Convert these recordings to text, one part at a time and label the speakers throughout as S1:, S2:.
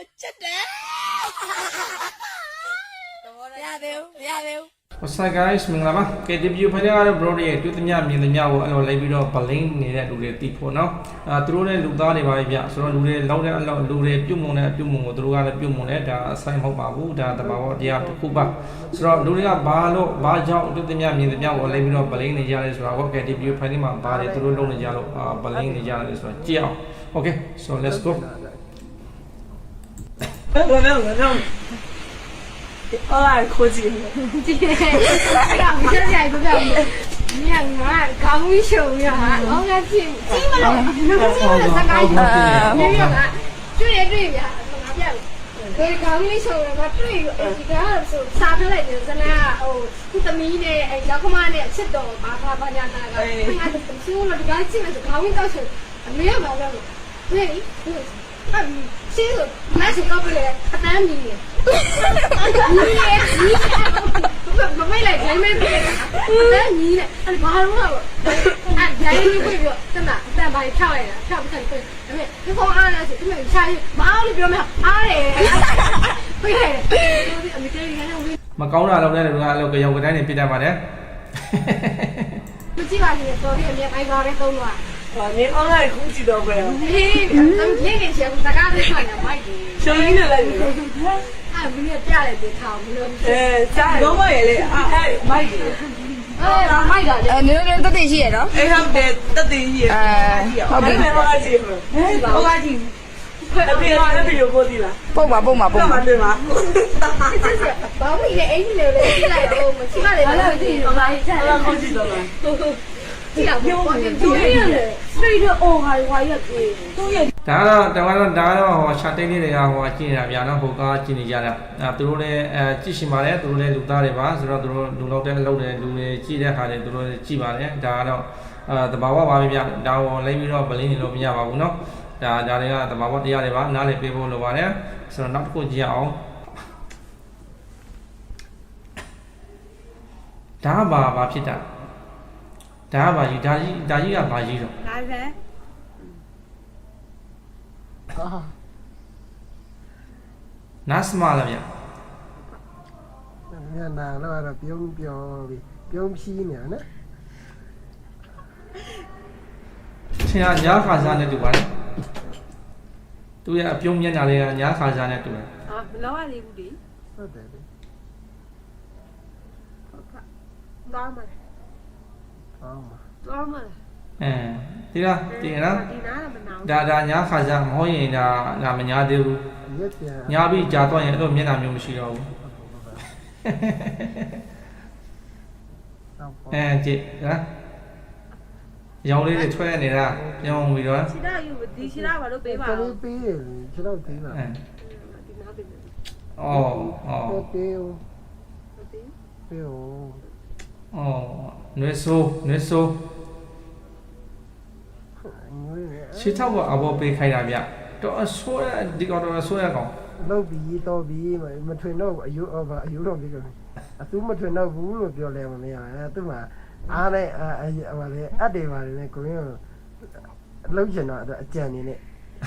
S1: ချက်တယ်ရတယ်
S2: What's up guys မင်္ဂလာပါ KTV ဖိုင်ကတော့ bro တွေတွေ့သမျှမြင်သမျှကိုအဲ့လိုလိုက်ပြီးတော့ blink နေတဲ့လူတွေတီးဖို့နော်သူတို့လည်းလူသားတွေပါပဲဗျဆိုတော့လူတွေလောက်တဲ့အလောက်လူတွေပြုတ်မုံတဲ့အပြုတ်မုံကိုသူတို့ကလည်းပြုတ်မုံတယ်ဒါအဆိုင်မဟုတ်ပါဘူးဒါတဘာဝတရားတစ်ခုပါဆိုတော့လူတွေကဘာကြောင့်တွေ့သမျှမြင်သမျှကိုလိုက်ပြီးတော့ blink နေကြလဲဆိုတာကို KTV ဖိုင်မှာပါတယ်သူတို့လုံးနေကြလို့blink နေကြတယ်ဆိုတော့ကြည့်အောင် Okay so let's go
S1: 好啦，科技。今天刚现在都在你看我刚一宿呀，我看进不了，三个没有啊，追呀，哪边？所以刚一宿了，我追这个是杀出来就是那哦，你怎么的？哎，要干嘛呢？吃到把人家那个，俺就不行了，这个进来是刚一到手，没有搞了，对，其实那是搞不来，他单米。你没来，前面别的，那你呢？俺马路了，俺前面会不真的，咱把你跳来了，跳不成对，对不对？你放俺那去，对不对？下去马路边没有，俺嘞，会嘞，你这里看那会。
S2: မကောင်းတာလုပ်တဲ့လူကအဲ့လိုကြောင်ကတိုင်းနေပြတတ်ပါတယ်
S1: 不记吧？你昨天没挨高的走路啊？
S3: 你俺来空气都不要。
S1: 嘿，咱们天天去，大家都穿的买的。
S3: 小姨子来着。
S1: 俺明天家里得炒，不能。
S3: 家里老买的，哎，买的。
S1: 买的。
S4: 你那边得对些喏？
S3: 哎，他们得对些。好的。我干净了。我干净。那边有锅底了。
S4: 蹦吧。
S3: 干嘛对吗？
S1: 真是，把我们的儿子留了起来了，我们起码得把自己把一下。
S3: 空气都来。
S1: 这样不光是都这样的，所以说哦还要都要。
S2: ဒါကတော့ဟိုရှာတိတ်လေးတွေကဟိုကြည့်နေတာဗျာနော်ဟိုကားကြည့်နေကြတာသူတို့လည်းကြည့်ရှင်ပါတယ်သူတို့လည်းလူသားတွေပါဆိုတော့သူတို့လူလောက်တဲ့အလုပ်တွေလူတွေကြည့်တဲ့ခါတွေသူတို့ကြည့်ပါတယ်ဒါကတော့တဘာဝပါပဲဗျာဒါကိုလိုက်ပြီးတော့ဗလင်းနေလို့မရပါဘူးနော်ဒါတွေကတဘာဝတရားတွေပါနားလည်ပေးဖို့လိုပါတယ်ဆိုတော့နောက်တစ်ခုကြည့်အောင်ဒါဘာဖြစ်တာဒါဘာကြီးကဘာကြီးတော့
S1: 哪人？
S2: နားစမလားဗျာ
S5: ညနာတော့ပြုံးဖြီးနေနော်
S2: ဆရာညာခါစားနဲ့တူပါလားသူရဲ့အပြုံးမျက်နှာလေးကညာခါစားနဲ့တူတယ်
S1: မလောက်ရသေးဘူးလေ
S5: ဟုတ်တယ်လေ
S1: သွားမှာ
S2: ဒီလားဒီနော်
S1: ဒီနားကမနာဘူး
S2: ဒါညာခါစားမဟုတ်ရင်ဒါမညာသေးဘူးညာပြီးကြာတော့ရင်အဲ့လိုမျက်နှာမျိုးမရှိတော့ဘူးကြည့်နော်ရောင်လေးတွေထွက်နေတာပြောင်းပြီးတော့
S1: ခြေထောက်ယူဒီခြေထောက်ဘာလို့ပေးပါလဲ
S5: ပေးတယ်ခြေတော့သေးလား
S1: ဒီနားပေးမယ်
S5: ပေး
S1: ပေး
S2: နွေဆိုခြေထောက်ကအဘောပေးခိုင်းတာဗျတော့အဆိုးရဒီကတော့ဆိုးရကောင်
S5: လောက်ပြီးတော့ပြီးမထွင်တော့အယူတော့ပြီးတော့အသူမထွင်တော့ဘူးလို့ပြောလဲမရဘူးသူမှအားနဲ့ဟိုလေအတေပါတယ်လေကိုရင်းလောက်ချင်တော့အကြံနေနဲ့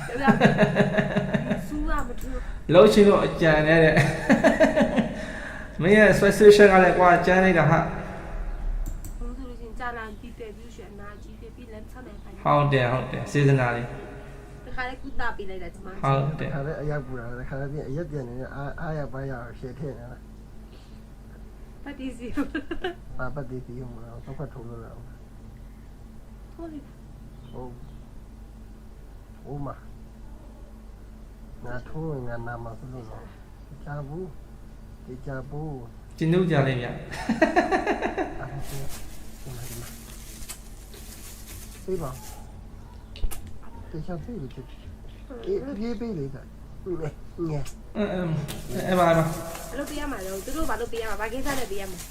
S1: စူးရမထူး
S2: လောက်ချင်တော့အကြံနေတဲ့မင်းရဲ့ special ကလည်းကွာကြမ်းနေတာဟာ
S1: ဘုံဆိုလို့ချင်းကြာလာပြီးတယ်ပြီးရွှေနာကြီးပြီးလမ်းချနိုင်ပါ
S2: ဟုတ်တယ်စေစနာလေး
S1: တခါလေးကုတာပေးလိုက်တာဒီမှာ
S2: ဟုတ်တယ်
S5: ခါလေးအရောက်ပူတာခါလေးအရက်ပြန်နေအားရပါရရှေ့ထည့်နေတာ
S1: ပတ်တီစီ
S5: ပတ်တီစီမလားတော့ထုံးလို့လား
S1: ဟုတ်လေ
S5: ဟုတ်မငါထိုးငါနာမဆိုလို့ချာဘူးဒီချာဘူး
S2: ကျင်းတို့ကြလေးဗျ
S5: ပြေးပါတေချာပြေးလို့ပြေးလေကငဲ
S2: အဲ့ပါ
S1: ဘယ်လိုပေးရမှာလဲသူတို့ဘာလို့ပေးရမှာဘာကိစ္စနဲ့ပေးရမှာ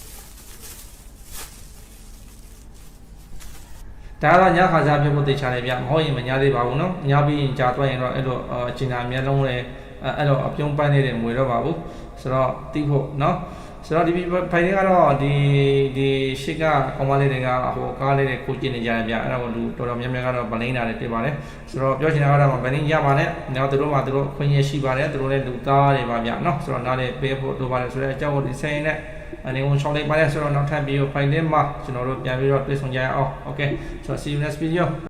S2: ဒါကတော့ညခါစားပြဖို့တေချာတယ်ဗျမဟုတ်ရင်မညာသေးပါဘူးနော်ညပြီးရင်ကြာသွားရင်တော့အဲ့လိုအကျဉ်းအမြဲလုံးလည်းအဲ့တော့အပြုံးပန်းနေတယ်မွေတော့ပါဘူးဆိုတော့တီးဖို့နော်ဆိုတော့ဒီဖိုင်တွေကတော့ဒီရှစ်ကကောင်မလေးတွေကဟိုကားလေးတွေကိုကျင်းနေကြတယ်ဗျအဲ့တော့လူတော်တော်များများကတော့ဗလင်းတာတွေတွေ့ပါတယ်ဆိုတော့ပြောချင်တာကတော့ဗလင်းရပါနဲ့နောက်သူတို့မှသူတို့ခွင့်ရရှိပါတယ်သူတို့လည်းလူသားတွေပါဗျနော်ဆိုတော့နားလေးပေးဖို့လိုပါတယ်ဆိုတော့အကြောင်းကိုဒီဆိုင်နဲ့အနေနဲ့ရှောင်းလိုက်ပါတယ်ဆိုတော့နောက်ထပ်ပြီးဖိုင်လေးမှာကျွန်တော်တို့ပြန်ပြီးတော့တွေ့ဆုံကြရအောင် okay so see you next video